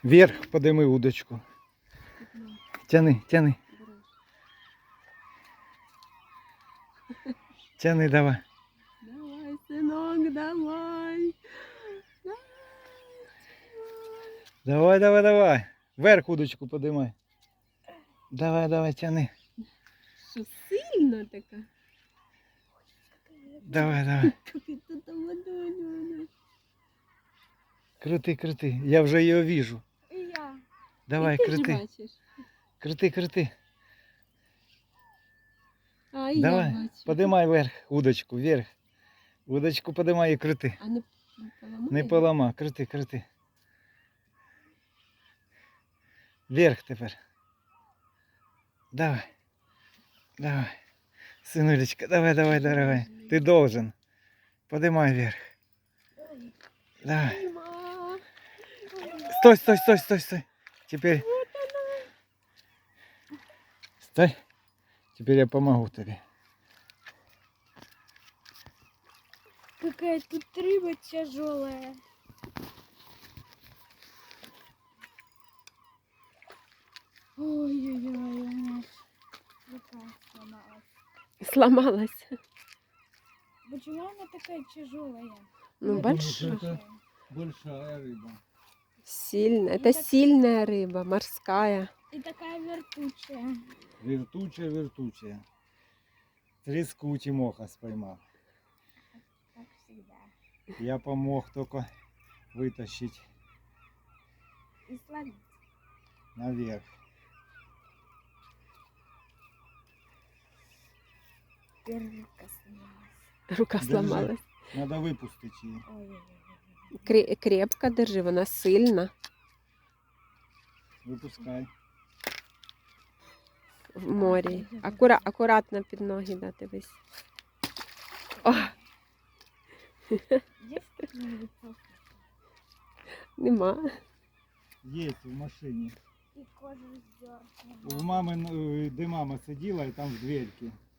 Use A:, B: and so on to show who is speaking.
A: Вверх подими удочку. Тяни, тяни. Тяни, давай.
B: Давай, синок, давай.
A: Давай, давай, давай. Вверх удочку подимай. Давай, давай, тяни.
B: Що сильно така?
A: Давай, давай.
B: Тут водою.
A: Крути, крути. Я вже його вижу.
C: І я.
A: Давай,
B: І ти ж
A: крути.
B: бачиш.
A: Крути, крути.
B: А, і
A: Давай,
B: я бачу.
A: подимай вверх удочку, вверх. Удочку подимай і крути.
B: А не поламає?
A: Не полома, крути, крути. Вверх тепер. Давай. Давай. Сынулечка, давай, давай, давай. Ты должен. Поднимай вверх. Давай.
B: Ма.
A: Стой, стой, стой, стой, стой. Теперь. Стой. Теперь я помогу тебе.
C: Какая тут рыба тяжелая. Ой-ой-ой, у меня рука сломалась.
B: Сломалась.
C: Почему она такая тяжелая?
B: Ну, большая.
A: это большая рыба.
B: Сильная. Это сильная рыба, морская.
C: И такая вертучая.
A: Вертучая, вертучая. Треску Тимоха споймал.
C: Как всегда.
A: Я помог только вытащить
C: И словить.
A: наверх.
C: Рука сломалась.
B: Рука
A: Держи.
B: сломалась.
A: Надо выпустить ее.
C: Ой-ой-ой.
B: Крепко держи, вона сильна.
A: Выпускай.
B: В морі. Акуратно під ноги, да, дивись. О,
C: Есть какие-нибудь салфетки?
B: нема.
A: Есть в машине.
C: И кожу сдёрнула.
A: У мамы, де мама сидела, и там в дверке.